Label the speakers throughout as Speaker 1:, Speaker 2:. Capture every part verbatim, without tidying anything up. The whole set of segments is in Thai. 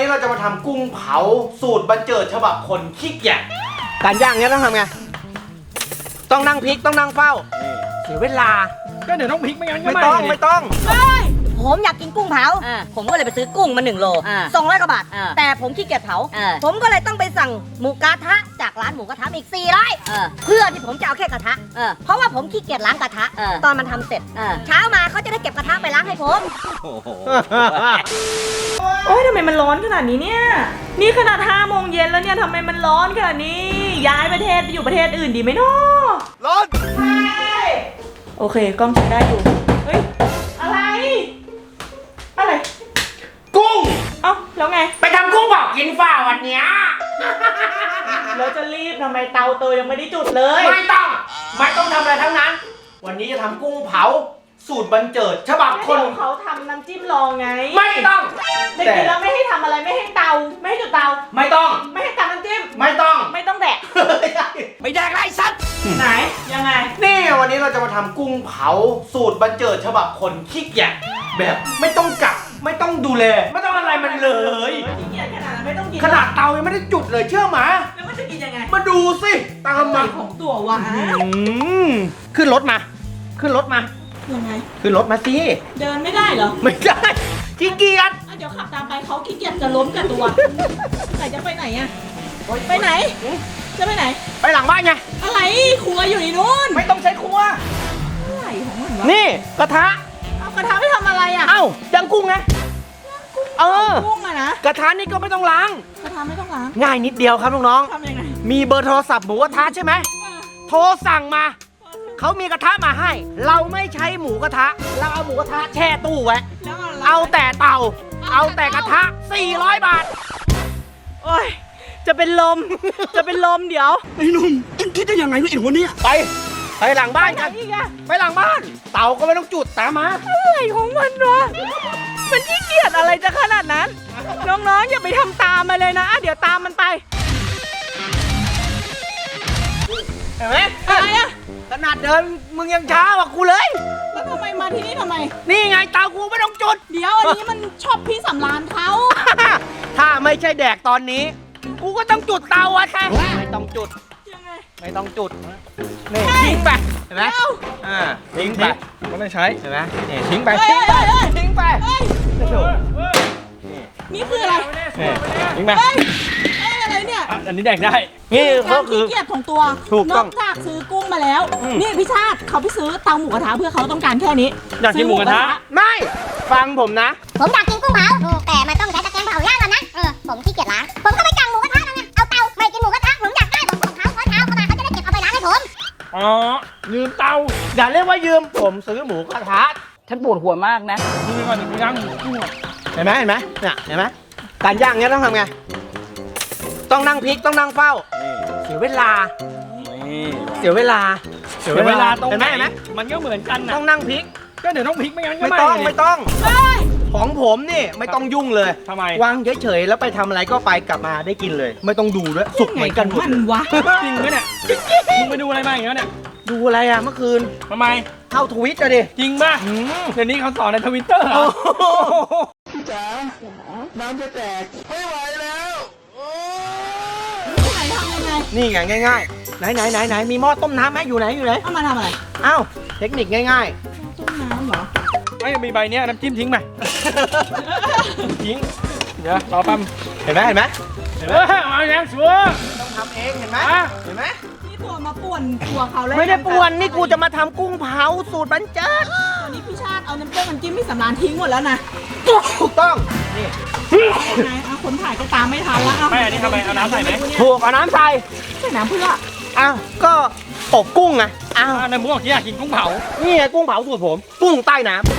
Speaker 1: นี้เราจะมาทำกุ้งเผาสูตรบันเจิดฉบับคนขี้เกียจการย่างเนี้ยต้องทำไงต้องนั่งพลิกต้องนั่งเฝ้าเสียเวลา
Speaker 2: ก็เดี๋ยวต้องพลิกไม่งั้นก็
Speaker 1: ไม่ต้องไม่ต้อง
Speaker 3: ผมอยากกินกุ้งเผาผมก็เลยไปซื้อกุ้งมาหนึ่งโลสองร้อยกว่าบาทแต่ผมขี้เกียจเผาผมก็เลยต้องไปสั่งหมูกระทะจากร้านหมูกระทะอีกสี่ร้อยเพื่อที่ผมจะเอาแค่กระทะเพราะว่าผมขี้เกียจล้างกระทะตอนมันทำเสร็จเช้ามาเขาจะได้เก็บกระทะไปล้างให้ผม
Speaker 4: โอ้ยทำไมมันร้อนขนาดนี้เนี่ยนี่ขนาดห้าโมงเย็นแล้วเนี่ยทำไมมันร้อนขนาดนี้ย้ายประเทศไปอยู่ประเทศอื่นดีไหมเนาะ
Speaker 1: ร้อน
Speaker 4: ใช่โอเคกล้องใช้ได้อยู่เฮ้ยอะไรอะไร
Speaker 1: กุ้ง
Speaker 4: เอ้าแล้วไง
Speaker 1: ไปทำกุ้งเผากินฝ่าวันเนี้ย
Speaker 4: แล้วจะรีบทำไมเตาเตยยังไม่ได้จุดเลย
Speaker 1: ไม่ต้องไม่ต้องทำอะไรทั้งนั้นวันนี้จะทำกุ้งเผาสูตรบันเจิดฉบับคน
Speaker 4: เขาทำน้ำจิ้มลองไง
Speaker 1: ไม่ต้อง
Speaker 4: แต่กินแล้วไม่ให้ทำอะไรไม่ให้เตาไม่ให้จุดเตา
Speaker 1: ไม่ต้อง
Speaker 4: ไม่ให้ทำน้ำจิ้ม
Speaker 1: ไม่ต้อง
Speaker 4: ไม่ต้องแดก
Speaker 1: ไม่แดกไรสัตว์
Speaker 4: ไหนยังไง
Speaker 1: นี่วันนี้เราจะมาทำกุ้งเผาสูตรบันเจิดฉบับคนขี้เกียจแบบไม่ต้องกักไม่ต้องดูแลไม่ต้องอะไรมันเลย
Speaker 4: ขี้เกียจขนาดไม่ต้องกิน
Speaker 1: ขนาดเตายังไม่ได้จุดเลยเชื่อหมา
Speaker 4: แล้วมันจะกินยังไง
Speaker 1: มาดูสิตามมา
Speaker 4: ของตัววะ
Speaker 1: ขึ้นรถมาขึ้นรถมา
Speaker 4: ยังไง
Speaker 1: ขึ้นรถมาสิ
Speaker 4: เดินไม่ได้เหรอ
Speaker 1: ไม่ได้ขี้เกียจ
Speaker 4: เดี๋ยวขับตามไปเขาขี้เกียจจะล้มกับตัวไหนจะไปไหนอะไปไหนจะไปไหน
Speaker 1: ไปหลังบ้านไง
Speaker 4: อะไรครัวอยู่ในนู้น
Speaker 1: ไม่ต้องใช้ครัว
Speaker 4: อะไรของมันวะ
Speaker 1: นี่กระทะ
Speaker 4: เอากระทะไม่ทำอะไรอะ
Speaker 1: เอ้าย่างกุ้งไงเออ
Speaker 4: กุ้งอะนะ
Speaker 1: กระทะนี่ก็ไม่ต้องล้าง
Speaker 4: กระทะไม่ต้องล้าง
Speaker 1: ง่ายนิดเดียวครับน้อง
Speaker 4: ๆทำยังไง
Speaker 1: มีเบอร์โทรศัพท์หมูกระทะใช่ไหมโทรสั่งมาเขามีกระทะมาให้เราไม่ใช้หมูกระทะเราเอาหมูกระทะแช่ตู้ไว้เอาแต่เตาเอาแต่กระทะสี่ร้อยบาท
Speaker 4: โอ้ยจะเป็นลมจะเป็นลมเดี๋ยว
Speaker 2: ไอ้หนุ่มคิดได้ยังไงเนี่ยไอ้หัวเนี่ย
Speaker 1: ไปไปหลังบ้านกันไปหลังบ้านเตาก็ไม่ต้องจุดตามมา
Speaker 4: อะไรของมันวะมันขี้เกียจอะไรจะขนาดนั้นน้องๆอย่าไปทำตามมาเลยนะเดี๋ยวตามมันไป
Speaker 1: เห็นไหม
Speaker 4: อะไรอะ
Speaker 1: ขนาดเดินมึงยังช้ากว่ากูเลย
Speaker 4: แล้วทำไมมาที่นี่ทำไม
Speaker 1: นี่ไงเตากูไม่ต้องจุด
Speaker 4: เดี๋ยวอันนี้มันชอบพี่สำรานเขา
Speaker 1: ถ้าไม่ใช่แดกตอนนี้กูก็ต้องจุดเตาอะใช่ไม่ต้องจุด
Speaker 4: ยังไง
Speaker 1: ไม่ต้องจุดนี่ทิ้งไปเห็นไหมอ่าทิ้งไป
Speaker 2: ไม่ได้ใช้
Speaker 1: เห็นไหมนี่ทิ้งไปทิ้งไปทิ้งไป
Speaker 4: นี่คืออะไร
Speaker 1: ทิ้งไป
Speaker 4: อะไรเนี่ย
Speaker 2: อันนี้แดกได้
Speaker 1: นี่ก็คือ
Speaker 4: เกียรติของตัวนอกจากซื้อกุ้งมาแล้วนี่พี่ชาติเขาไปซื้อเตาหมูกระทะเพื่อเขาต้องการแค่นี้
Speaker 2: อยากกินหมูกระทะ
Speaker 1: ไม่ฟังผมนะ
Speaker 3: ผมอยากกินกุ้งเผาแต่มันต้องใช้ตะแกรงเผาย่างก่อนนะเออผมขี้เกียจล้างผมก็ไปสั่งหมูกระทะนั่นไงเอาเตาไม่กินหมูกระทะผมอยากได้ผมของเขาเขาเช้าเข้ามาเขาจะได้เก็บเอาไปล้างให้ผม
Speaker 2: อ๋อยืมเตา
Speaker 1: อย่าเรียกว่ายืมผมซื้อหมูกระทะ
Speaker 4: ฉันปวดหัวมากนะ
Speaker 2: ยืมก่อนย่างหมูกุ้ง
Speaker 1: เห็นไหมเห็นไหมเนี่ยเห็นไหมการย่างเนี้ยต้องทำไงต้องนั่งพลิกต้องนั่งเฝ้าเสียเวลาเสียเวลา
Speaker 2: เสียเวลาตรงไหนมันก็เหมือนกันนะ
Speaker 1: ต้องนั่งพลิก
Speaker 2: ก็เดี๋ยวต้องพลิกไม่งั้นก็
Speaker 1: ไม่ต้องไม่ต้องของผมนี่ไม่ต้องยุ่งเลย
Speaker 2: ทำไม
Speaker 1: วางเฉยๆแล้วไปทำอะไรก็ไปกลับมาได้กินเลยไม่ต้องดูด้วยสุกเหมือนกันหมด
Speaker 4: มันวะ
Speaker 2: จริงไหมเนี่ยมึงไปดูอะไรมาอย่างเงี้ยเนี่ย
Speaker 1: ดูอะไรอ่ะเมื่อคืน
Speaker 2: ทำไม
Speaker 1: เข้าทวิตอะดิ
Speaker 2: จริงป่ะเดี๋ยวนี้เขาสอนในทวิตเตอร์เหรอ
Speaker 1: พี่จ๋าน้ำจะแตกไม่ไหวแล้วนี่ไงง่ายๆไหนไหนไหนไหนมีหม้อต้มน้ำไหมอยู่ไหนอยู่ไหน
Speaker 4: เอามาทำอะไร
Speaker 1: อ้าวเทคนิคง่าย
Speaker 4: ๆต้มน้ำเหรอ
Speaker 2: ไม่มีใบเนี้ยน้ำจิ้มทิ้งไปทิ้งเดี๋ยวรอปั๊ม
Speaker 1: เห็นไหมเห็นไหม
Speaker 2: เห็นไหมเอาอย่างชัว
Speaker 1: ต้องทำเองเห็นไหมเห็นไหม
Speaker 4: นี่ตัวมาป่วนตัวเขาเลย
Speaker 1: ไม่ได้ป่วนนี่กูจะมาทำกุ้งเผาสูตรบันเจิด
Speaker 4: ตอนนี้พี่ชาติเอาน้ำเต้ามันจิ้มพี่สำรานทิ้งหมดแล้วนะ
Speaker 1: ถูกต้องนี่
Speaker 4: ไงเอาคนถ่ายก็ตามไม่ทันแล้วเอา
Speaker 2: ไม่อันนี้ทำไมเอาน้ำใส่ไหม
Speaker 1: ถูกเอาน้ำใส่
Speaker 4: ใส่น้ำเพื่อ
Speaker 1: อ้าวก็อบกุ้งไง
Speaker 2: อ้าวในหมูบอกที่อยากกินกุ้งเผา
Speaker 1: นี่ไงกุ้งเผาสูตรผมกุ้งใต้น้ำ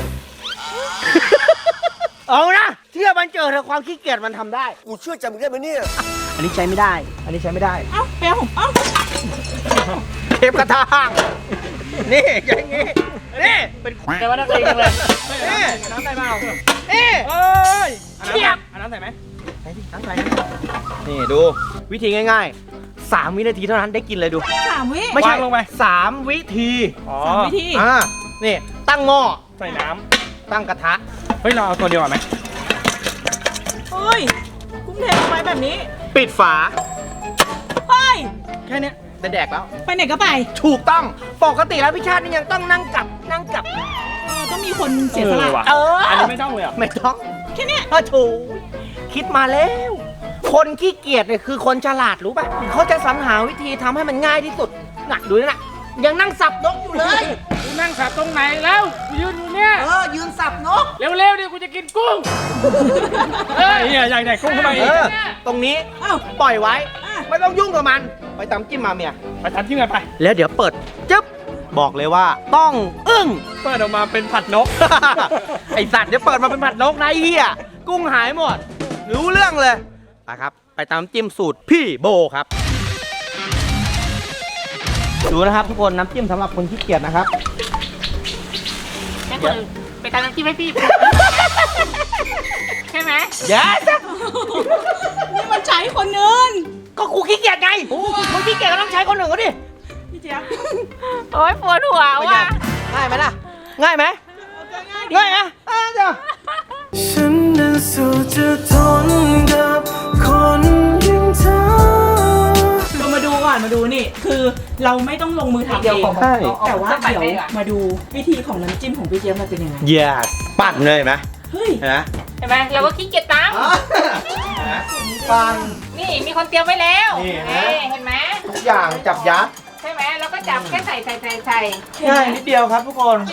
Speaker 1: เอานะเชื่อบันเจิดเถอะความขี้เกียจมันทำได้กูเชื่อใจมึงได้ไหมเนี่ยอันนี้ใช้ไม่ได้อันนี้ใช้ไม่ได้
Speaker 4: เอ้าแปลผมเอ้า
Speaker 1: เทปกระทางนี่อย่างงี้นี่
Speaker 2: เป็นแต่ว่านักเลงจังเลย
Speaker 1: นี่
Speaker 2: น้ำใส่เปล่า
Speaker 1: นี่
Speaker 2: เอ้ย
Speaker 1: เทียบ
Speaker 2: น้ำใส่ไหม
Speaker 1: ใส่ดิน้ำใส่นี่ดูวิธีง่ายๆสามวินาทีเท่านั้นได้กินเลยดู
Speaker 4: สามวิ
Speaker 1: ไม่ใช่ลงไปสามวิธี
Speaker 4: สามวิธี
Speaker 1: อ่านี่ตั้งหม้อ
Speaker 2: ใส่น้
Speaker 1: ำตั้งกระทะ
Speaker 2: เฮ้ยเราเอาตัวเดียวไหม
Speaker 4: เฮ้ยกุ้งเทลงไปแบบนี้
Speaker 1: ปิดฝา
Speaker 4: เฮ้ย
Speaker 1: แค่เนี้ยได้แดกแล้ว
Speaker 4: ไปไหนก็ไป
Speaker 1: ถูกต้องปกติแล้วพี่ชาตินี่ยังต้องนั่งกลับนั่งกลับ
Speaker 4: เออต้องมีคนเสียสละ
Speaker 2: ออว่ะ
Speaker 1: เอออั
Speaker 2: อันนี้ไม่ต้องเลยเหรอ่ะ
Speaker 1: ไม่ต้อง
Speaker 4: แค่เนี้ย
Speaker 1: ถ้าถูกคิดมาแล้ว คนขี้เกียจเนี่ยคือคนฉลาดรู้ป่ะเขาจะสรรหาวิธีทำให้มันง่ายที่สุดน่ะดูนี่นะยังนั่งสับนกอยู่เลย
Speaker 2: กูนั่งสับตรงไหนแล้วกูยืนอยู่เนี่ย
Speaker 1: เออยืนสับนก
Speaker 2: เร็วๆเดี๋ยวกูจะกินกุ้งเฮ้ยเนี่ยอยากแดกกุ้งเข้ามาอี
Speaker 1: เอก อตรงนี้
Speaker 4: เอ้า
Speaker 1: ปล่อยไว้
Speaker 4: อ่ะ
Speaker 1: ไม่ต้องยุ่งกับมัน ไปตำจิ้มมาเมีย
Speaker 2: ไปทำที่ไหนไป
Speaker 1: แล้วเดี๋ยวเปิดจึ๊บบอกเลยว่าต้องอึ้ง
Speaker 2: เปิดออกมาเป็นผัดนก
Speaker 1: ไอสัตว์เดี๋ยวเปิดมาเป็นผัดนกนะไอ้เฮียกุ้งหายหมด รู้เรื่องเลยนะครับ ไปตามจิ้มสูตรพี่โบครับ ดูนะครับทุกคนน้ำจิ้มสำหรับคนขี้เกียจนะครับ
Speaker 5: ให้คนอื่นไปตามน้ำจิ้มให้พี่ ใช่ไหม
Speaker 1: เดี๋ยวจะ
Speaker 4: นี่มันใช้คนอื่น
Speaker 1: ก็กูขี้เกียจไงคนขี้เกียจก็ต้องใช้คนหนึ่งก็ดิ
Speaker 4: พี่เจี๊ยบ
Speaker 5: โอ๊ยปวดหัว
Speaker 1: เป็นไง
Speaker 5: ว่ะ
Speaker 1: ง่ายไหมล่ะ ง่ายไหมง่ายไหมอ่ะเดี๋ยว
Speaker 6: ฉันนั้นสู้จะทนกับคนอย่างเธอ
Speaker 4: เรามาดูก่อนมาดูนี่ คือเราไม่ต้องลงมือทำเอง
Speaker 1: ใช่
Speaker 4: แต่ว่าเดี๋ยวมาดูวิธีของน้ำจิ้มของพี่เจี๊ยบมันเป็นยังไง
Speaker 1: yes ปั่นเลยเห็นไหม
Speaker 4: เฮ้ย
Speaker 1: เห็นไหม
Speaker 5: เห็นไหมเราก็ขี้เกียจตาม
Speaker 1: ปั่น
Speaker 5: นี่มีคนเตรียมไว้แล้ว
Speaker 1: นี่เห็นไหม
Speaker 5: เอ้ยเห็นไหม
Speaker 1: ทุกอย่างจับยัด
Speaker 5: ใช่ไหมเราก็จับแค่ใส่ใส่ใส่ใส่
Speaker 1: ง่ายนิดเดียวครับทุกคน
Speaker 5: เอง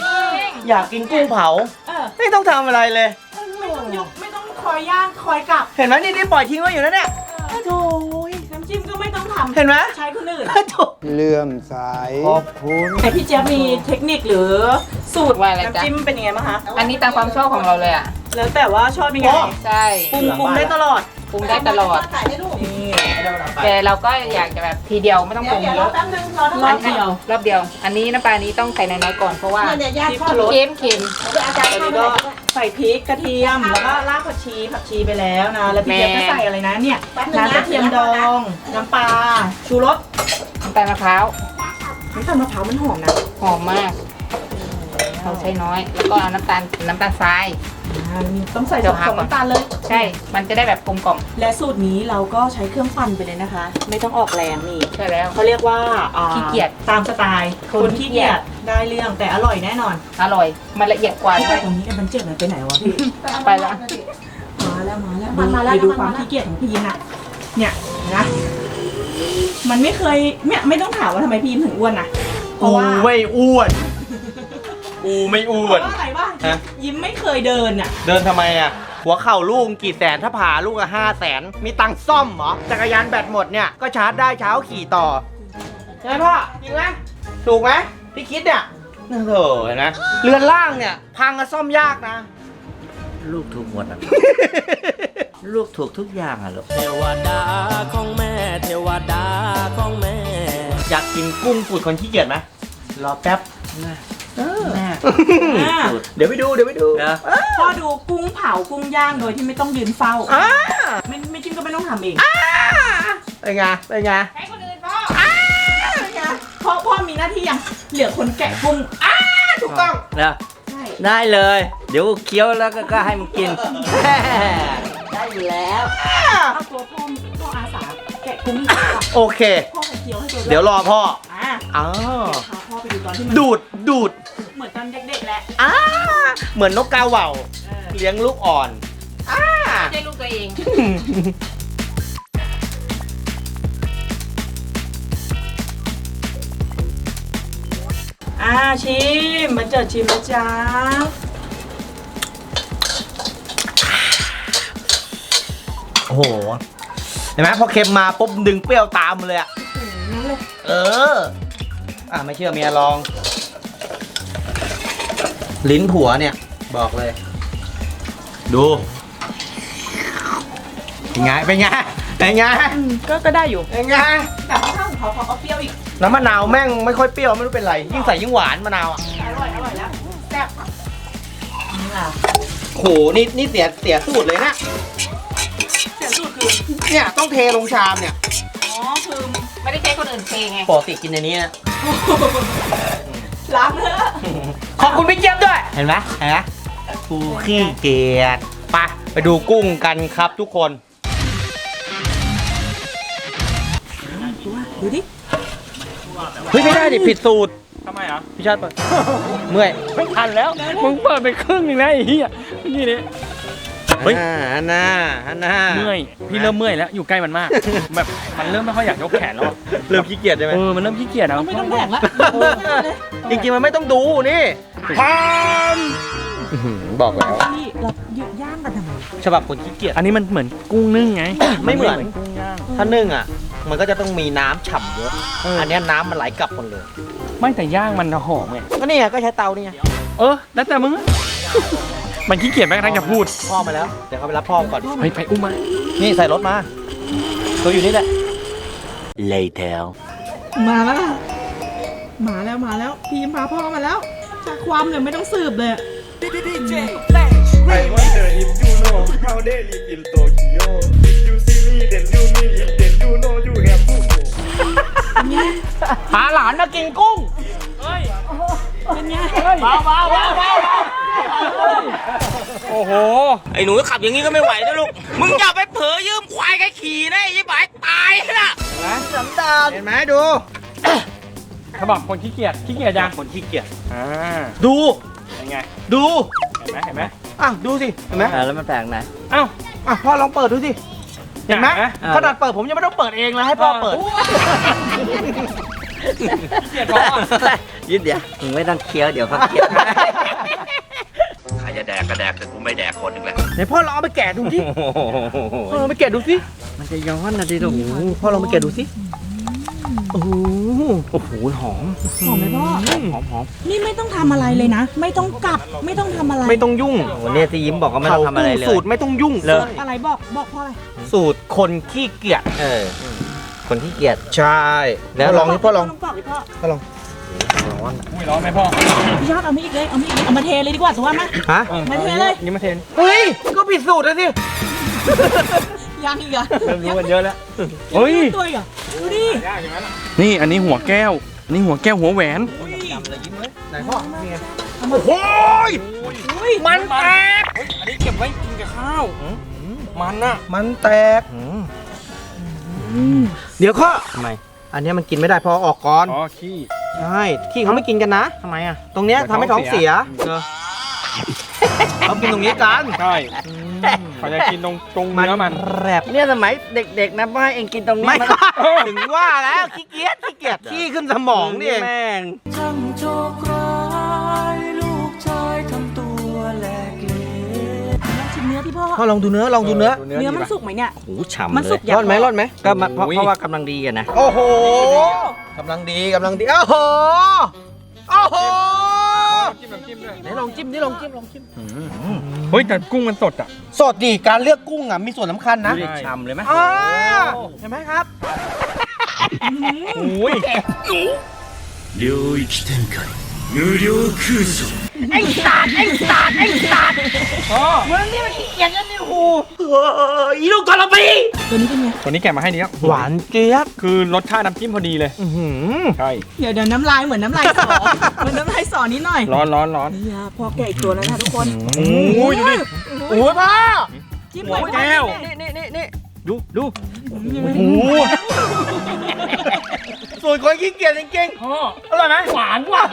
Speaker 1: อยากกินกุ้งเผา
Speaker 4: เออ
Speaker 1: ไม่ต้องทำอะไรเลย
Speaker 4: ไม่ต้องยกไม่ต้องคอยย่างคอยกลับ
Speaker 1: เห็นไหมนี่นี่ปล่อยทิ้งไว้อยู่นะเนี่ยโถ่
Speaker 4: น้ำจิ้มก็ไม่ต้องทำ
Speaker 1: เห็นไหม
Speaker 4: ใช้คนอื่น
Speaker 1: โถ่
Speaker 6: เลื่อมใสขอบคุณ
Speaker 4: แต่พี่เจี๊ยบมีเทคนิคหรือสูตร
Speaker 5: ว่าอะไร
Speaker 4: น้ำ
Speaker 5: จ๊ะ
Speaker 4: จิ้มเป็นยังไงบ้างคะ
Speaker 5: อันนี้ตามความชอบของเราเลยอ่ะ
Speaker 4: แล้วแต่ว่าชอบยังไง
Speaker 5: ใช่
Speaker 4: ปรุงปรุงได้ตลอด
Speaker 5: ปรุงได้ตลอด
Speaker 4: นี่
Speaker 5: แต่เราก็อยากจะแบบทีเดียวไม่ต้องปรุงเยอะ
Speaker 4: รอบเดียว
Speaker 5: รอบเดียว อันนี้น้ำปลานี้ต้องใส่น้อยๆก่อนเพราะว่า
Speaker 4: ที่พะโล้
Speaker 5: เค็มเค็ม
Speaker 4: ตอนนี้ก็ใส่พริกกระเทียมแล้วก็รากผักชีผักชีไปแล้วนะ แล้วพี่เจี๊ยบก็ใส่อะไรนะเนี่ยน้ำกระเทียมดองน้ำปลาชูรส
Speaker 5: น้ำตาลมะพร้าว
Speaker 4: น้ำตาลมะพร้าวมันหอมนะ
Speaker 5: หอมมากเราใช้น้อย แล้วก็เอาน้ำตาลน้ำตาลทราย
Speaker 4: อ่าต้องใส่สองน้ำตาลเลย
Speaker 5: ใช่ มันจะได้แบบกลมกล่อม
Speaker 4: และสูตรนี้เราก็ใช้เครื่องปั่นไปเลยนะคะ ไม่ต้องออกแรงนี่
Speaker 5: ใช่แล้ว
Speaker 4: เขาเรียกว่าอ่า
Speaker 5: ขี้เกียจ
Speaker 4: ตามสไตล์
Speaker 5: ค
Speaker 4: คน นขี้เกียจได้เรื่องแต่อร่อยแน่นอน
Speaker 5: อร่อย มันละเอียดกว่าด้
Speaker 4: แต่
Speaker 5: วย
Speaker 4: ตรงนี้มันเจ็บมันไปไหนวะพี่
Speaker 5: ไปแล้ว
Speaker 4: มาแล้วมาแล้วมาแล้วดูความขี้เกียจของพี่ยินอะเนี่ยนะมันไม่เคยเนี่ยไม่ต้องถามว่าทำไมพี่ยินถึงอ้วนนะเพ
Speaker 1: กู
Speaker 4: ราะว่า
Speaker 1: ไม่อ้วน กูไม่อ้
Speaker 4: เพ
Speaker 1: วน
Speaker 4: ราะว่าอะไรบ้าง
Speaker 1: ฮะ
Speaker 4: ยิ้มไม่เคยเดินอะ
Speaker 1: เดินทำไมอ่ะ หัวเข่าลูกกี่แสนถ้าผ่าลูกอะห้าแสนมีตังค์ซ่อมเหรอ จักรยานแบตหมดเนี่ย ก็ชาร์จได้เช้าขี่ต่อ ใช่ไหมพ่อ จริงไหมถูกไหมพี่คิดเนี่ยโอ้โหเห็นไหมเรือนล่างเนี่ย พังก็ซ่อมยากนะ
Speaker 7: ลูกถูกหมดอ่ะ ลูกถูกทุกอย่างอ่ะลูก
Speaker 6: เทวดาของแม่ เทวดาของแม่
Speaker 1: อยากกินกุ้งสูตรคนขี้เกียจไหมรอแป๊บ
Speaker 7: แม่
Speaker 4: อ่า
Speaker 1: เดี๋ยวไปดูเดี๋ยวไปดู
Speaker 7: นะ
Speaker 4: พ่อดูกุ้งเผากุ้งย่างโดยที่ไม่ต้องยืนเฝ้า
Speaker 1: อ่า
Speaker 4: ไม่ไม่จิ้มก็ไม่ต้องทำเอง
Speaker 1: เป็นไงเป็นไง
Speaker 5: ให้คนอื่นพ่อ
Speaker 4: พ่อพ่อมีหน้าที่ยังเหลือคนแกะกุ้ง
Speaker 1: ถูกต้อง
Speaker 7: นะ
Speaker 4: ใช่
Speaker 7: ได้เลย เดี๋ยวเคี้ยวแล้วก็ก็ให้มันกิน
Speaker 1: ได้อยู่แล้ว
Speaker 4: เอาตัวพ่อพ่ออาสาแกะกุ้งให้พ่อ
Speaker 1: โอเค
Speaker 4: พ่อไปเคี้ยวให้ตัว
Speaker 1: เดี๋ยวรอพ่อ
Speaker 4: อ่า
Speaker 1: อ้าว
Speaker 4: พาพ่อไปดูตอนที่มัน
Speaker 1: ดูดดูด
Speaker 4: เหมือนตอนเด็กๆแหละ
Speaker 1: อ้าเหมือนนกกาเหว่า
Speaker 4: เออ
Speaker 1: เลี้ยงลูกอ่อนอ้า
Speaker 5: ไม่ใช่ลูกตัวเอง
Speaker 4: อ่าชิมมาเจอชิมนะจ๊ะ
Speaker 1: โอ้โห เห็นไหมพอเค็มมาปุ๊บดึงเปรี้ยวตามมาเลยอะเออ อ่ะไม่เชื่อเมียลอง ลิ้นผัวเนี่ย บอกเลย ดู เป็นไง เป็นไง เป็นไง
Speaker 4: อืมก็ก็ได้อยู่
Speaker 1: เป็นไง
Speaker 4: แต่ข้าวของเขาเขาเอาเปรี้ยวอีก
Speaker 1: น้ำมะนาวแม่งไม่ค่อยเปรี้ยวไม่รู้เป็นไร ยิ่งใส่ยิ่งหวานมะนาวอ่ะ
Speaker 4: อร่อยอร่อยแล้วแซ่บนี่ล่ะ
Speaker 1: โห นี่นี่เสียเสียสูตรเลยนะ
Speaker 4: เสียสูตรคือ
Speaker 1: เนี่ยต้องเทลงชามเนี่ย
Speaker 4: อ๋อคือ
Speaker 5: ไม่ได้ใช้คนอื่นเทไง
Speaker 1: ปกติกินในนี้นะ
Speaker 4: ล้างเนื้อ
Speaker 1: ขอบคุณพี่เจี๊ยบด้วย เห็นไหมเห็นไหมกูขี้เกียจไปไปดูกุ้งกันครับทุกคน
Speaker 4: ดูดิ
Speaker 1: เฮ้ยไม่ได้ดิผิดสูตร
Speaker 2: ทำไมอ่ะ
Speaker 1: พี่ชาติเปิด เมื่อย
Speaker 2: ไม่ทันแล้วมึงเปิดไปครึ่งหนึงแล้วไอ้เหี้ยนี่นี่ เฮ้ย
Speaker 1: ฮันน่าฮันน่า
Speaker 2: เมื่อยพี่เริ่มเมื่อยแล้วอยู่ใกล้มันมากแบบมันเริ่มไม่ค่อยอยากยกแขนแล้วอะ
Speaker 1: เริ่มขี้เกียจใช่ไหม
Speaker 2: เออมันเริ่มขี้เกียจแล้ว
Speaker 4: ไม่ต้องแบกละ
Speaker 1: จริงๆมันไม่ต้องดูนี่
Speaker 2: พาม
Speaker 1: บอกแล้ว
Speaker 4: พี่เราหยุดย่างกันทำไม
Speaker 1: ฉบับคนขี้เกียจ
Speaker 2: อันนี้มันเหมือนกุ้งนึ่งไง
Speaker 1: ไม่เหมือน
Speaker 2: กุ้งย่าง
Speaker 1: ถ้านึ่งอ่ะ มันก็จะต้องมีน้ำฉ่ำเยอะ
Speaker 2: เอออั
Speaker 1: อันเนี้ยน้ำมันไหลกลับหมดเลย
Speaker 2: ไม่แต่ย่างมันหอมไง
Speaker 1: ก็นี่ไงก็ใช้เตานี่ไง
Speaker 2: เออแล้วแต่มึงอะมันขี้เกียจแม้กระทั่งจะพูด
Speaker 1: พ่อมาแล้ว เดี๋ยวเขาไปรับพ่อก่อน
Speaker 2: เฮ้ยไปอุ้มมา
Speaker 1: นี่ใส่รถมา ตัวอยู่นี่แหละ later
Speaker 4: มาแล้วล่ะมาแล้วมาแล้วพีมพาพ่อมาแล้วจากความเลยไม่ต้องสืบเลย
Speaker 6: I wonder if you know how they live in Tokyo. If you see me, then you mean it, then you know you have to go.
Speaker 1: พาหลานมากินกุ้ง
Speaker 4: เป็นไง
Speaker 1: เบาเบาเบาเบา
Speaker 2: โอ้โห
Speaker 1: ไอ้หนูขับอย่างนี้ก็ไม่ไหวนะลูก มึงอย่าไปเผลอยืมควายใครขี่นะไอ้ยี่บายตายนะสันดานเห็นไหมดู
Speaker 2: เขาบอกคนขี้เกียจขี้เกียจยัง
Speaker 1: คนขี้เกียจ
Speaker 2: อ่า
Speaker 1: ดู
Speaker 2: เป็นไง
Speaker 1: ดู
Speaker 2: เห็นไหมเห็นไหม
Speaker 1: อ่ะดูสิ เห็นไหม
Speaker 7: แล้วมันแปลกไหน
Speaker 2: เอ้า
Speaker 1: อ่ะพ่อลองเปิดดูสิ เห็นไหม
Speaker 2: อยากนะ
Speaker 1: ขนาดเปิดผมยังไม่ต้องเปิดเองเลยให้พ่อเปิด
Speaker 2: ขี้เกียจพอ
Speaker 7: ยืดเดี๋ยวมึงไม่ต้องเคี้ยวเดี๋ยวเขาเคี้ยว
Speaker 8: ใครจะแดกก็แดกแต่กูไม่แดกคนหนึ่งแหละ
Speaker 1: ไหนพ่อลองเอาไปแกะดูสิพ่อลองไปแกะดูสิ
Speaker 7: มันจะย้อนนะดิลูก
Speaker 1: โอ้โหพ่อลองไปแกะดูสิ โอ้โห โอ้โห หอม
Speaker 4: หอมไหมพ่อ
Speaker 1: หอมหอม
Speaker 4: นี่ไม่ต้องทำอะไรเลยนะ ไม่ต้องกลับไม่ต้องทำอะไร
Speaker 1: ไม่ต้องยุ่ง
Speaker 7: วันนี้ที่ยิ้มบอกว่าไม่ต้องทำอะไรเลย
Speaker 1: สูตรไม่ต้องยุ่ง
Speaker 7: เลย
Speaker 4: อะไรบอกบอกพ่ออะไร
Speaker 1: สูตรคนขี้เกียจ
Speaker 7: เออ คนที่เกียจ
Speaker 1: ใช่ แล้วลองนี่พ่อลอง
Speaker 4: บอกดิพ่อ
Speaker 1: พ่อลอง
Speaker 2: อุ้ยร้อนไหมพ่อ
Speaker 4: พี่ยอดเอามาอีกเลยเอามาอีกเลยเอามาเทเลยดีกว่าตัวมา
Speaker 1: ฮะ
Speaker 4: มาเทเลย
Speaker 2: นี่มาเทน
Speaker 1: เฮ้ย ก็ผิดสูตรแล้วสิ
Speaker 4: ยังอีกเหรอ
Speaker 2: เริ่มรู้กันเยอะแล้วเฮ้ย
Speaker 4: ตัวอีกเหรอดูดิ
Speaker 2: นี่อันนี้หัวแก้ว อันนี้หัวแก้วหัวแหวน
Speaker 1: ไหนพ่อ นี่ไง
Speaker 2: โอ้ย
Speaker 4: อุ้ย
Speaker 2: มันแตกอันนี้เก็บไว้กินกับข้าวมันอะ
Speaker 1: มันแตก เดี๋ยวข้อ
Speaker 7: ทำไม
Speaker 1: อันเนี้ยมันกินไม่ได้พอออกก่อน
Speaker 2: อ๋อขี้
Speaker 1: ใช่ขี้เขาไม่กินกันนะ
Speaker 7: ทำไมอ่ะ
Speaker 1: ตรงเนี้ยทำให้ท้องเสียเออเขากินตรงนี้กัน
Speaker 2: ใช่เขาจะกินตรงตรงเนื้อมัน
Speaker 1: แรบ
Speaker 7: เนี่ยสมัยเด็กๆนะพ่อให้เองกินตรงนี้
Speaker 1: ไม่
Speaker 7: มัน
Speaker 1: ถึงว่าแล้วขี้เกียจขี้เกียจขี้ขึ้นสมองนี่เอง
Speaker 7: แม่ง
Speaker 6: ช่างโชคร้ายลูกชายทำตัวแหลกเหลว
Speaker 4: ลองชิมเนื้อที่พ่อ
Speaker 1: พ่อลองดูเนื้อลองดูเนื้อ
Speaker 4: เนื้อมันสุกไหมเนี่ย
Speaker 7: โอ้โหฉ่ำ
Speaker 4: มัน
Speaker 7: เล
Speaker 4: สุ
Speaker 7: ย
Speaker 4: กยัง
Speaker 1: ร่อนไหมร่อนไหม
Speaker 7: ก็มาเพราะเพราะว่ากำลังดีอะนะ
Speaker 1: โอ้โหกำลังดีกำลังดีโอ้โหโอ้โห
Speaker 2: จิ้มน้ำจิ้มด้วย
Speaker 1: ไหนลองจิ้มนี่ลองจิ้มลองจิ้ม
Speaker 2: เฮ้ยแต่กุ้งมันสดอ่ะ
Speaker 1: สดดิการเลือกกุ้งอ่ะมีส่วนสำคัญนะ
Speaker 2: ดูดิ
Speaker 7: ฉ่ำเลยไหม
Speaker 1: อ่าเห็นไหมครับ
Speaker 2: โอ้ย
Speaker 6: 領域展開無料空想
Speaker 1: ไอ้สัตว์ไอ้สัตว์ไอ้สัตว์
Speaker 2: อ๋อ
Speaker 1: มึงนี่มันขี้เกียจกันนี่หูเอออีลูกกระปี
Speaker 4: ตัวนี้เป็นไง
Speaker 2: ตัวนี้แกะมาให้นี้ครับ
Speaker 1: หวานเจี๊ยบ
Speaker 2: คือรสชาติน้ำจิ้มพอดีเลย
Speaker 1: อื้อหือ
Speaker 2: ใช่
Speaker 4: เดี๋ยวเดี๋ยวน้ำลายเหมือนน้ำลายสอ เหมือนน้ำลายสอนิดหน่อย
Speaker 2: ร้อนร้อนร้อน
Speaker 4: นี่อะพอแกะอีกตัวแล้วนะทุกคน
Speaker 2: โอ้ยดูดิ
Speaker 1: โอ้ยพ่อ
Speaker 4: จิ้ม
Speaker 2: หั
Speaker 4: เล
Speaker 2: วย แก้ว
Speaker 7: นี่นี่นี่นี่
Speaker 2: ดูดู
Speaker 1: โอ้โหส่วนคนขี้เกียจจริง
Speaker 2: พ่อ
Speaker 1: ๆอร่อยไหมหวานว่ะ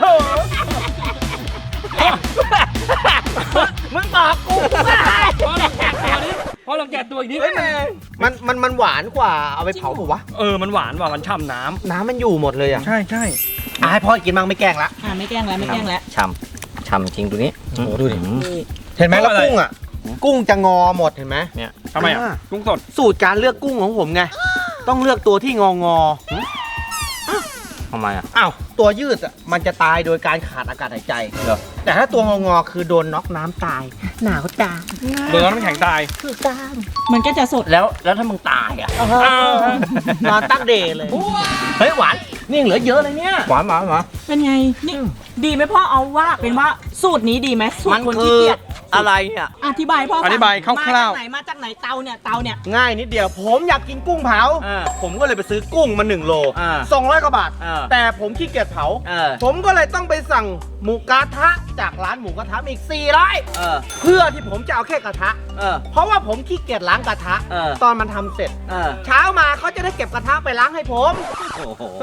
Speaker 1: มึงบอกกูไม่
Speaker 2: พ่อลองแกะตัวนี้พ่อลองแกะตัวอีกนิด
Speaker 1: เฮ้ยมันมันมันหวานกว่าเอาไปเผาถูกวะ
Speaker 2: เออมันหวานว่ะมันฉ่ำน้
Speaker 1: น้ำมันอยู่หมดเลยอ่ะ
Speaker 2: ำใช่ใช่
Speaker 1: อ่ะให้พ่อกินบ้างไม่แกล้งละ
Speaker 4: อ่าไม่แกล้งแล้วไม่แกล้งแล้ว
Speaker 7: ฉ่ำฉ่ำจริงตัวนี้
Speaker 1: โอ้โหดูดิ
Speaker 7: อืม
Speaker 4: นี่
Speaker 1: เห็นไหมแล้วกุ้งอ่ะ กุ้งจะงอหมดเห็นไหม
Speaker 2: ทำไมอ่ะ
Speaker 1: อ่า
Speaker 2: กุ้งสด
Speaker 1: สูตรการเลือกกุ้งของผมไง ต้องเลือกตัวที่งองอ
Speaker 7: ทำไมอ่ะ
Speaker 1: อ้าวตัวยืดอ่ะมันจะตายโดยการขาดอากาศหายใจ
Speaker 7: เหรอ
Speaker 1: แต่ถ้าตัวงองอคือโดนน็อกน้ำตาย หนาวตาย
Speaker 2: โดนน้ำแข็งตาย
Speaker 1: คือตาย
Speaker 4: มันก็จะสด
Speaker 7: แล้วแล้วถ้ามึงตายอ่ะ
Speaker 1: นอนตั้งเดย์เลย เฮ้ยหวาน นี่ยังเหลือเยอะเลยเนี่ย
Speaker 7: หวานหวานหวาน
Speaker 4: เป็นไง นี่ดีไหมพ่อเอาว่าเป็นว่าสูตรนี้ดีไหมสูต
Speaker 1: มั
Speaker 4: ร
Speaker 1: น
Speaker 4: คน
Speaker 1: คื
Speaker 4: ขี้
Speaker 1: อ
Speaker 4: เกียจ
Speaker 1: อะไรเนี่ย
Speaker 4: อธิบายพ่อฟัง
Speaker 2: อธิบายคร่าวๆ
Speaker 4: มาจากไหนมาจากไหนเตาเนี่ยเตาเนี่ย
Speaker 1: ง่ายนิดเดียว ผมอยากกินกุ้งเผา
Speaker 2: อ่า
Speaker 1: ผมก็เลยไปซื้อกุ้งมาหนึ่งโล
Speaker 2: อ่า
Speaker 1: สองร้อยกว่าบาท
Speaker 2: อ่า
Speaker 1: แต่ผมขี้เกียจเผา
Speaker 2: เออ
Speaker 1: ผมก็เลยต้องไปสั่งหมูกระทะจากร้านหมูกระทะอีกสี่ร้อย
Speaker 2: เออ
Speaker 1: เพื่อที่ผมจะเอาแค่กระทะ
Speaker 2: เออ
Speaker 1: เพราะว่าผมขี้เกียจล้างกระทะ
Speaker 2: เออ
Speaker 1: ตอนมันทำเสร็จ
Speaker 2: เออ
Speaker 1: เช้ามาเขาจะได้เก็บกระทะไปล้างให้ผม
Speaker 2: โอ้โห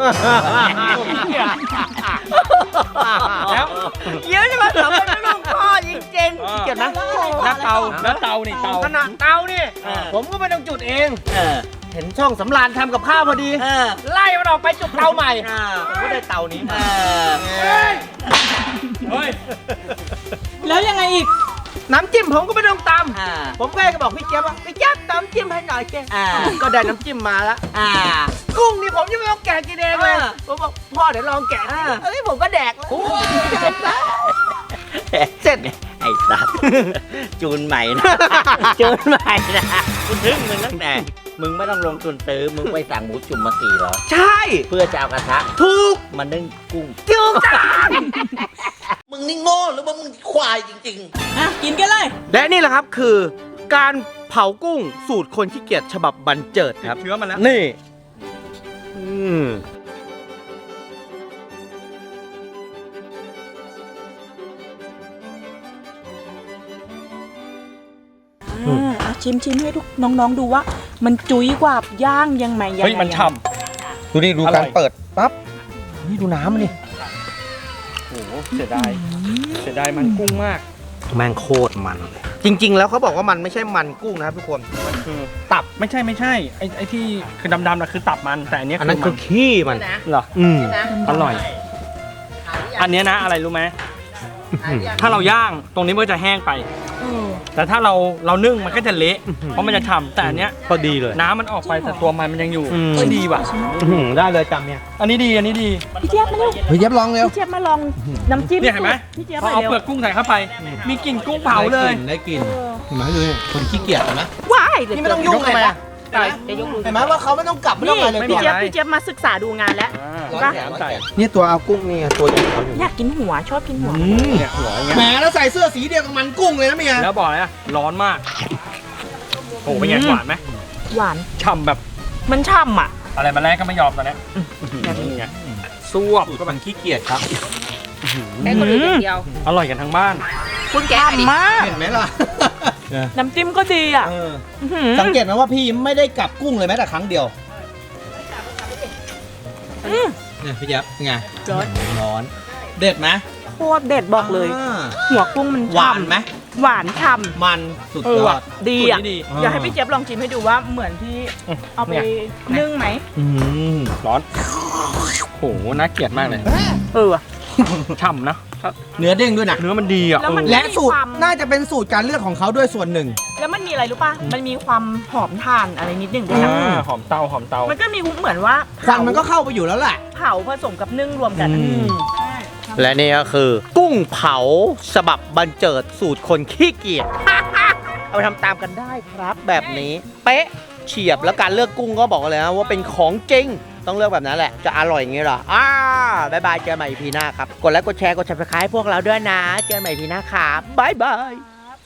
Speaker 1: แล้วเยอะใช่ไหมสำหรับลูกพ่อจริงๆขี้เกียจนะ
Speaker 2: แล้วเตาแล้วเตานี่เตา
Speaker 1: ขนาดเตานี่
Speaker 2: เออ
Speaker 1: ผมก็ไม่ต้องจุดเอง
Speaker 2: เออ
Speaker 1: เห็นช่องสำราญทำกับข้าวพอดี
Speaker 2: เออ
Speaker 1: ไล่มันออกไปจุดเตาใหม่
Speaker 2: อ่า
Speaker 1: ผมก็ได้เตานี้
Speaker 2: เอ
Speaker 1: มา
Speaker 2: อเฮ้ย
Speaker 4: แล้วยังไงอีก
Speaker 1: น้ำจิ้มผมก็ไม่ต้องต
Speaker 2: อ่า
Speaker 1: ำผมก็เลยบอกพี่เจี๊ยบว่าพี่เจี๊ยบตำจิ้มให้หน่อยเจ๊
Speaker 2: อ่า
Speaker 1: ก็ได้น้ำจิ้มมาแล้ว
Speaker 2: อ่า
Speaker 1: กุ้งนี่ผมยังไม่ต้องแกะกินเองเลย
Speaker 2: เออ
Speaker 1: ผมบอกพ่อเดี๋ยวลองแกะ
Speaker 2: อ่า
Speaker 1: เอ้ยผมก็แดกแล้วเสร็จ
Speaker 7: ไอ้สัตว์ จูนใหม่นะ จูนใหม่นะกูทึ่งมึงตั้งแต่ มึงไม่ต้องลงทุนซื้อ มึงไปสั่งหมูจุ่มมาสี่ร้อย
Speaker 1: ใช่
Speaker 7: เพื่อจะเอากระทะ
Speaker 1: ถูก
Speaker 7: มานึ่งกุ้ง
Speaker 1: ถูกจ้า
Speaker 7: มึงนี่โง่หรือว่ามึงควายจริงๆ
Speaker 4: อ่ะ กินกันเลย
Speaker 1: และนี่แหละครับคือการเผากุ้งสูตรคนขี้เกียจฉบับบันเจิดครับ
Speaker 2: เชื้อมันแล้ว
Speaker 1: นี่อืม
Speaker 4: อ่าอ่ะชิมชิมให้ทุกน้องๆดูว่า มันจุ้ยกว่าย่างยังไงยัง
Speaker 2: เฮ้ย
Speaker 4: ไง
Speaker 2: มันฉ่
Speaker 1: ดูนี่ดู
Speaker 2: อร่
Speaker 1: การ
Speaker 2: อย
Speaker 1: เปิดปั๊บนี่ดูน้ำมันนี่
Speaker 2: ำโอ้โหเสียดาย เสียดายมันกุ้งมาก
Speaker 1: แม่งโคตรมันเลยจริง ๆ แล้วเขาบอกว่ามันไม่ใช่มันกุ้งนะครับทุกคน
Speaker 2: มันคือ
Speaker 1: ตับ
Speaker 2: ไม่ใช่ไม่ใช่ ไอ้ไอ้ที่คือดำๆนะคือตับมัน แต่อันเนี้ย
Speaker 1: อันนั้น
Speaker 2: มั
Speaker 1: คือขี้มัน
Speaker 2: เหรอ
Speaker 1: อืม
Speaker 2: อร่อย อันเนี้ยนะอะไรรู้ไหม ถ้าเราย่างตรงนี้มันก็จะแห้งไป แต่ถ้าเราเรานึ่งมันก็จะเละ เพราะมันจะฉ่ำแต่อันเนี้ย
Speaker 1: พอดีเลย
Speaker 2: น้ำมันออกไปแต่ตัวมันมันยังอยู่
Speaker 1: อืม
Speaker 2: เอ้ยดีว่ะ
Speaker 1: ได้เลยจำเนี่ย
Speaker 2: อันนี้ดีอันนี้ดี
Speaker 4: พี่เจี๊ยบมาเร็ว
Speaker 1: เฮ้ยเย็บลองเร็ว
Speaker 4: พี่เจี๊ยบมาลองน้ำจิ้ม
Speaker 2: เนี่ยเห็นไหม
Speaker 4: พี่เจี๊ยบ
Speaker 2: พอ
Speaker 4: มา
Speaker 2: เอา
Speaker 4: เร็ว
Speaker 2: เปลือกกุ้งใส่เข้าไป มีกลิ่นกุ้งเผาเลย
Speaker 1: ได้กินเห็นไหมดูนี่คนขี้เกียจนะ
Speaker 4: ว้ายเดี๋ยว
Speaker 1: นี่ไม่ต้องยุ่งเลยนะ
Speaker 2: ใช่
Speaker 4: เดี๋ยวยกมือ
Speaker 1: เห็นไหมว่าเขาไม่ต้องกลับไม่ต้องอะไรเลย
Speaker 2: ไม่
Speaker 4: พี่
Speaker 2: มี
Speaker 4: เจี๊ยบ
Speaker 2: อะไร
Speaker 4: พี่เจี๊ยบมาศึกษาดูงานแล้ว
Speaker 2: ร้อยแขนใส่
Speaker 1: นี่ตัวเอากุ้งนี่ตัวจริงเขาอยู่
Speaker 4: อยากกินหัวชอบกินหัว
Speaker 2: เนี่ยหัวอย่างเงี้ย
Speaker 1: แหมแล้วใส่เสื้อสีเดียวกับมันกุ้งเลยนะเมีย
Speaker 2: แล้วบอกเลยนะร้อนมาก โอ้เป็นไงหวานไหม
Speaker 4: หวาน
Speaker 2: ฉ่ำแบบ
Speaker 4: มันช่ำอ่ะ
Speaker 2: อะไรมาแรกก็ไม่ยอมตอนเนี้ยนี่ไงซวบก็
Speaker 1: มันขี้เกียจครับ
Speaker 5: แค่คนอื่นอย่างเดียว
Speaker 2: อร่อยกันทั้งบ้าน
Speaker 5: คุณแกะดิ
Speaker 4: มาก
Speaker 1: เห็นไหมล่ะ
Speaker 4: น้ำจิ้มก็ดีอ่ะ
Speaker 1: เออ
Speaker 4: อื้อหือ
Speaker 1: สังเกตไหมว่าพี่ไม่ได้กลับกุ้งเลยแม้แต่ครั้งเดียว
Speaker 4: อืม
Speaker 1: เนี่ยพี่แจ๊บไง
Speaker 4: ร้อน
Speaker 1: ร้อน เด็ดไหม
Speaker 4: โคตรเด็ดบอกเลย
Speaker 1: อ่า
Speaker 4: หัวกุ้งมัน
Speaker 1: หวาน
Speaker 4: ฉ่ำ
Speaker 1: ไหม
Speaker 4: หวานฉ่ำ
Speaker 1: มันสุด
Speaker 4: เอย อ
Speaker 1: อ
Speaker 4: ว่ะ
Speaker 1: ด
Speaker 4: ดี
Speaker 2: สูตร
Speaker 4: อ่ะ
Speaker 2: นี้ดี
Speaker 4: อยากให้พี่เจี๊ยบลองชิมให้ดูว่าเหมือนที่เอาไปนึ่งไหม
Speaker 1: อืม
Speaker 2: ร้อนโหน่าเกลียดมากเลย
Speaker 4: เออว่ะ
Speaker 2: ฉ่ำนะ
Speaker 1: เนื้อเด้งด้วยนะ
Speaker 2: เนื้อมันดีอ่ะ
Speaker 4: แล้วมัน
Speaker 2: เออ
Speaker 1: และสูตร
Speaker 4: มีความ
Speaker 1: น่าจะเป็นสูตรการเลือกของเขาด้วยส่วนหนึ่ง
Speaker 4: แล้วมันมีอะไรรู้ป่ะ มันมีความหอมถ่านอะไรนิดหนึ่งด้วยนะ
Speaker 2: อ่าหอมเตาหอมเตา
Speaker 4: มันก็มีเหมือนว่า
Speaker 1: ควันมันก็เข้าไปอยู่แล้วแหละ
Speaker 4: เผาผสมกับนึ่งรวมกัน
Speaker 1: อืม และนี่ก็คือ กุ้งเผาฉบับบันเจิดสูตรคนขี้เกียจ เอาไปทำตามกันได้ครับแบบนี้ เป๊ะเฉียบแล้วการเลือกกุ้งก็บอกเลยนะว่าเป็นของจริง ต้องเลือกแบบนั้นแหละ จะอร่อยอย่างงี้เหรออ่าบายบายเจอกันใหม่ อี พี หน้าครับ กดไลค์กดแชร์กด ซับสไครบ์ พวกเราด้วยนะ เจอกันใหม่ อี พี หน้าครับบายบาย